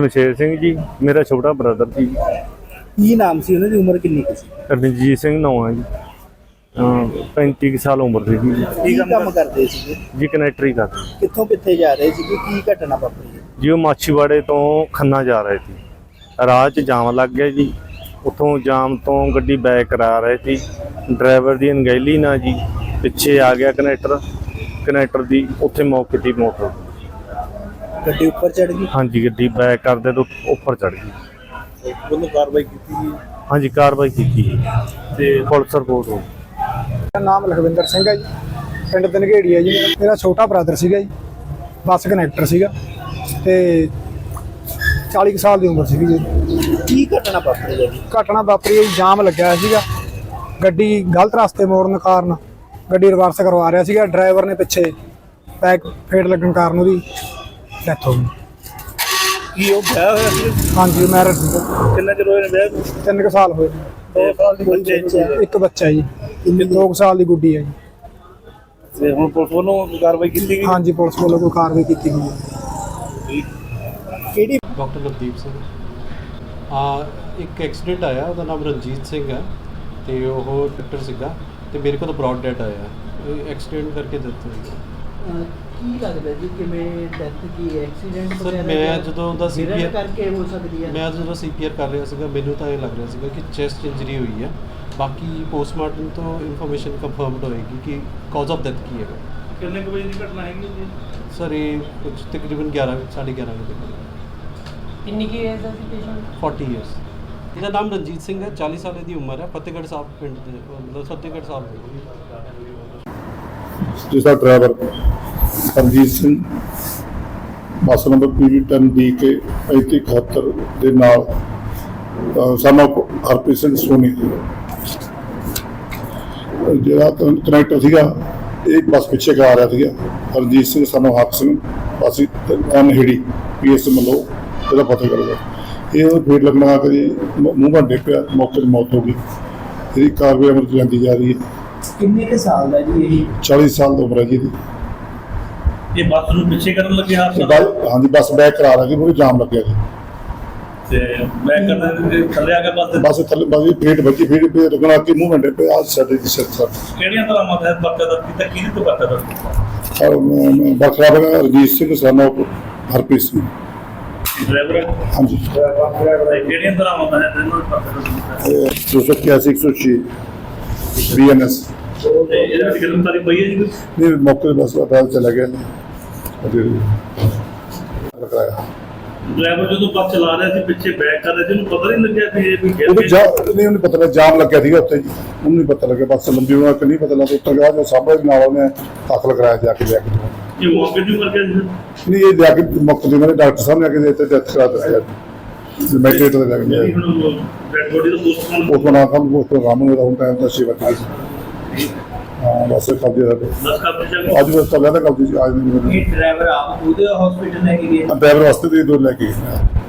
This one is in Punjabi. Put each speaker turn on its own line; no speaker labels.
ਸ਼ਮਸ਼ੇਰ ਸਿੰਘ ਜੀ, ਮੇਰਾ ਛੋਟਾ ਬ੍ਰਦਰ ਜੀ।
ਕੀ ਨਾਮ ਸੀ ਉਹਨਾਂ ਦੀ, ਉਮਰ ਕਿੰਨੀ ਕੁ ਸੀ?
ਰਣਜੀਤ ਸਿੰਘ ਨਾਂ ਹੈ ਜੀ। 35 ਸਾਲ ਉਮਰ ਸੀ ਜੀ।
ਕੀ ਕੰਮ ਕਰਦੇ ਸੀਗੇ
ਜੀ ਕਨੈਕਟਰੀ ਕਰਦੇ
ਕਿੱਥੋਂ ਕਿੱਥੇ ਜਾ ਰਹੇ ਸੀਗੇ, ਕੀ ਘਟਨਾ ਵਾਪਰੀ?
ਜੀ। ਉਹ ਮਾਛੀਵਾੜੇ ਤੋਂ ਖੰਨਾ ਜਾ ਰਹੇ ਸੀ, ਰਾਹ 'ਚ ਜਾਮ ਲੱਗ ਗਿਆ ਜੀ। ਉੱਥੋਂ ਜਾਮ ਤੋਂ ਗੱਡੀ ਬੈਕ ਕਰਾ ਰਹੇ ਸੀ, ਡਰਾਈਵਰ ਦੀ ਅਣਗਹਿਲੀ ਨਾਲ ਜੀ ਪਿੱਛੇ ਆ ਗਿਆ ਕਨੈਕਟਰ ਦੀ ਉੱਥੇ ਮੌਕੇ ਦੀ ਮੋਟਰ
ਗੱਡੀ ਉੱਪਰ ਚੜ ਗਈ?
ਹਾਂਜੀ, ਗੱਡੀ ਬੈਕ ਕਰਦੇ ਤੋਂ ਉੱਪਰ ਚੜ ਗਈ।
ਉਹਨੂੰ ਕਾਰਵਾਈ ਕੀਤੀ ਜੀ?
ਹਾਂਜੀ, ਕਾਰਵਾਈ ਕੀਤੀ ਜੀ ਤੇ ਪੁਲਿਸ ਰਿਪੋਰਟ ਹੋ ਗਈ।
ਮੇਰਾ ਨਾਮ ਲਖਵਿੰਦਰ ਸਿੰਘ ਹੈ ਜੀ, ਪਿੰਡ ਧਨਗੇੜੀ ਹੈ ਜੀ। ਮੇਰਾ ਛੋਟਾ ਬ੍ਰਦਰ ਸੀਗਾ ਜੀ, ਬੱਸ ਕਨੈਕਟਰ ਸੀਗਾ ਤੇ 40 ਸਾਲ ਦੀ ਉਮਰ ਸੀਗੀ ਜੀ।
ਕੀ ਘਟਨਾ ਵਾਪਰੀ ਜੀ?
ਘਟਨਾ ਵਾਪਰੀ ਹੈ ਜੀ, ਜਾਮ ਲੱਗਿਆ ਹੋਇਆ ਸੀਗਾ, ਗੱਡੀ ਗਲਤ ਰਸਤੇ ਮੋੜਨ ਕਾਰਨ ਗੱਡੀ ਰਿਵਰਸ ਕਰਵਾ ਰਿਹਾ ਸੀਗਾ। ਡਰਾਈਵਰ ਨੇ ਪਿੱਛੇ ਬੈਕ ਫੇਟ ਲੱਗਣ ਕਾਰਨ ਉਹਦੀ ਡੈਥ ਹੋ ਗਈ।
ਕੀ ਉਹ ਵਿਆਹ ਹੋਇਆ ਸੀ?
ਹਾਂਜੀ, ਮੈਰਿਜ ਸੀਗਾ।
ਕਿੰਨਾ ਚਿਰ ਹੋਇਆ ਵਿਆਹ ਨੂੰ?
3 ਸਾਲ ਹੋਏ।
2 ਸਾਲ ਦੀ ਬੱਚੇ?
ਇੱਕ ਬੱਚਾ ਜੀ, 2 ਸਾਲ ਦੀ ਗੁੱਡੀ ਹੈ ਜੀ।
ਤੇ ਹੁਣ ਪੁਲਿਸ ਵੱਲੋਂ ਕਾਰਵਾਈ ਕੀਤੀ ਗਈ?
ਹਾਂਜੀ, ਪੁਲਿਸ ਵੱਲੋਂ ਕੋਈ ਕਾਰਵਾਈ ਕੀਤੀ ਗਈ ਹੈ।
ਕਿਹੜੀ?
ਡਾਕਟਰ ਨਵਦੀਪ ਸਿੰਘ। ਇੱਕ ਐਕਸੀਡੈਂਟ ਆਇਆ, ਉਹਦਾ ਨਾਮ ਰਣਜੀਤ ਸਿੰਘ ਹੈ ਤੇ ਉਹ ਡਾਕਟਰ ਸੀਗਾ ਤੇ ਮੇਰੇ ਕੋਲ ਬ੍ਰੌਡ ਡੈਡ ਆਇਆ। ਐਕਸੀਡੈਂਟ ਕਰਕੇ ਡੈਥ ਹੋਈ।
ਕੀ ਲੱਗਦਾ ਜੀ ਕਿਵੇਂ ਡੈਥ ਕੀ ਐਕਸੀਡੈਂਟ
ਸਰ ਮੈਂ ਜਦੋਂ ਉਹਦਾ ਸੀਪੀਆਰ
ਕਰਕੇ ਹੋ ਸਕਦੀ ਹੈ?
ਮੈਂ ਜਦੋਂ ਸੀਪੀਆਰ ਕਰ ਰਿਹਾ ਸੀਗਾ, ਮੈਨੂੰ ਤਾਂ ਇਹ ਲੱਗ ਰਿਹਾ ਸੀਗਾ ਕਿ ਚੈਸਟ ਇੰਜਰੀ ਹੋਈ ਹੈ। ਬਾਕੀ ਪੋਸਟਮਾਰਟਮ ਤੋਂ ਇਨਫੋਰਮੇਸ਼ਨ ਕੰਫਰਮਡ ਹੋਏਗੀ ਕਿ ਕਾਜ਼ ਆਫ ਡੈਥ ਕੀ ਹੈਗਾ।
ਕਿੰਨੇ ਕੁ ਵਜੇ ਦੀ ਘਟਨਾ ਹੈਗੀ ਜੀ?
ਸਰ ਇਹ ਕੁਝ ਤਕਰੀਬਨ 11:30 ਵਜੇ ਤੱਕ।
ਕਿੰਨੀ ਕੀ ਏਜ ਦਾ ਸੀ ਪੇਸ਼ੈਂਟ?
40 ਇਅਰਸ। ਇਹਦਾ ਨਾਮ ਰਣਜੀਤ ਸਿੰਘ ਹੈ, 40 ਸਾਲ ਦੀ ਉਮਰ ਹੈ, ਫਤਿਹਗੜ੍ਹ ਸਾਹਿਬ ਪਿੰਡ ਦੇ, ਮਤਲਬ ਫਤਿਹਗੜ੍ਹ ਸਾਹਿਬ ਦੇ।
ਜਿਸਦਾ driver Harjit Singh bus number PV10DK 3571 ਦੇ ਨਾਲ ਸਾਨੂੰ ਹਰਪ੍ਰੀਤ ਸਿੰਘ ਸੋਨੀ ਜਿਹੜਾ ਕਨੈਕਟਰ ਸੀਗਾ, ਇਹ ਬੱਸ ਪਿੱਛੇ ਕਰਾ ਰਿਹਾ ਸੀਗਾ। ਹਰਜੀਤ ਸਿੰਘ ਸਾਨੂੰ ਹੱਕ ਸਿੰਘ ਅਸੀਂ ਅਨਹਿੜੀ PS ਮਲੋ ਇਹਦਾ ਪਤਾ ਕਰਦਾ। ਇਹ ਫੇਰ ਲੱਗਣਾ ਕਰੀ ਮੂੰਹ ਘੰਟੇ ਪਿਆ, ਮੌਕੇ 'ਤੇ ਮੌਤ ਹੋ ਗਈ। ਇਹਦੀ ਕਾਰਵਾਈ ਅਮਲ 'ਚ ਲਿਆਂਦੀ ਜਾ ਰਹੀ ਹੈ।
ਕਿੰਨੇ ਕੁ ਸਾਲ ਦਾ ਜੀ ਇਹ?
40 ਸਾਲ ਦੀ ਉਮਰ ਹੈ ਜੀ ਇਹਦੀ।
ਇਹ ਬੱਸ ਨੂੰ ਪਿੱਛੇ ਕਰਨ ਲੱਗੇ
ਹਾਂਜੀ, ਬੱਸ ਬੈਕ ਕਰਾ ਰਹੀ ਸੀ, ਪੂਰੀ ਜਾਮ ਲੱਗਿਆ ਜੀ
ਤੇ ਬੈਕ ਕਰਨ ਥੱਲੇ ਆ ਕੇ
ਬੱਸ ਥੱਲੇ ਬਾਜੀ ਫੇਟ ਵੱਜੀ, ਫੇਟ ਪੇ ਰੁਕਣਾ ਕਿ ਮੂੰਹ ਘੰਟੇ ਪੇ ਆ ਸਾਡੇ ਦੀ ਸਿਰ ਸਰ।
ਕਿਹੜੀਆਂ ਤਰ੍ਹਾਂ ਮਤ ਬੱਕਾ ਦਾ ਕੀਤਾ, ਕਿਹਦੇ ਤੋਂ ਬੱਕਾ ਦਾ?
ਔਰ ਬਖਰਾ ਬਗਾ ਰਜੀਤ ਸਿੰਘ ਸਾਨੂੰ ਹਰਪ੍ਰੀਤ ਸਿੰਘ
ਡਰਾਈਵਰ?
ਹਾਂਜੀ।
ਕਿਹੜੀਆਂ ਤਰ੍ਹਾਂ ਮਤ ਹੈ ਤੈਨੂੰ ਬੱਕਾ ਦਾ?
281 106 BNS।
ਇਹਦੇ ਵਿੱਚ ਗ੍ਰਿਫਤਾਰੀ ਪਈ ਹੈ ਜੀ?
ਨਹੀਂ, ਮੌਕੇ 'ਤੇ ਬੱਸ ਅਦਾਲਤ ਚਲਾ ਗਿਆ ਰਖਾਇਆ।
ਡਰਾਈਵਰ ਜਦੋਂ ਬੱਸ ਚਲਾ ਰਿਹਾ ਸੀ, ਪਿੱਛੇ ਬੈਕ ਕਰ ਰਿਹਾ ਸੀ, ਉਹਨੂੰ ਪਤਾ ਨਹੀਂ ਲੱਗਿਆ ਕਿ ਇਹ ਵੀ
ਉਹਨੂੰ ਪਤਾ ਲੱਗਾ ਜਾਮ ਲੱਗਿਆ ਸੀਗਾ ਉੱਥੇ ਜੀ, ਉਹਨੂੰ ਨਹੀਂ ਪਤਾ ਲੱਗਿਆ। ਬੱਸ ਲੰਬੀ ਹੋਣਾ ਕਿ ਨਹੀਂ ਪਤਾ ਲੱਗਾ। ਉੱਤਰ ਗਿਆ ਜੋ ਸਾਹਮਣੇ ਨਾਲ ਉਹਨੇ ਦਾਖਲ ਕਰਾਇਆ ਜਾ ਕੇ ਲਿਆ ਕੇ।
ਇਹ ਮੌਕੇ ਦੀ ਕਰਕੇ
ਨਹੀਂ, ਇਹ ਜਾ ਕੇ ਮੁਕਤ ਦੇ ਮੇਰੇ ਡਾਕਟਰ ਸਾਹਿਬ ਨੇ ਆ ਕੇ ਇੱਥੇ ਡੈਥ ਕਰਾ ਦਿੱਤੀ। ਮੈਟਰੇਟ ਦੇ ਲੱਗ ਗਿਆ
ਡੈਡ ਬੋਡੀ ਦਾ ਪੋਸਟਮਾਰਟਮ
ਉਸ ਬਣਾ ਕੰਮ ਉਸ ਪ੍ਰੋਗਰਾਮ ਨੂੰ ਰਾਉਂਡ ਟਾਈਮ ਦਾ ਸੇਵਾ ਕੀਤੀ। ਹਾਂ, ਬਸ ਕਬਜ਼ੇ ਦਾ
ਦੱਸ ਕਰ
ਅੱਜ ਬਸ ਤਾਂ ਲੈਦਾ ਕਬਜ਼ੇ ਅੱਜ ਨਹੀਂ।
ਇਹ ਡਰਾਈਵਰ ਆਪ ਉਹਦੇ ਹਸਪੀਟਲ ਲੈ ਕੇ ਗਏ?
ਡਰਾਈਵਰ ਵਾਸਤੇ ਦੇ ਦੋ ਲੈ ਕੇ ਗਏ।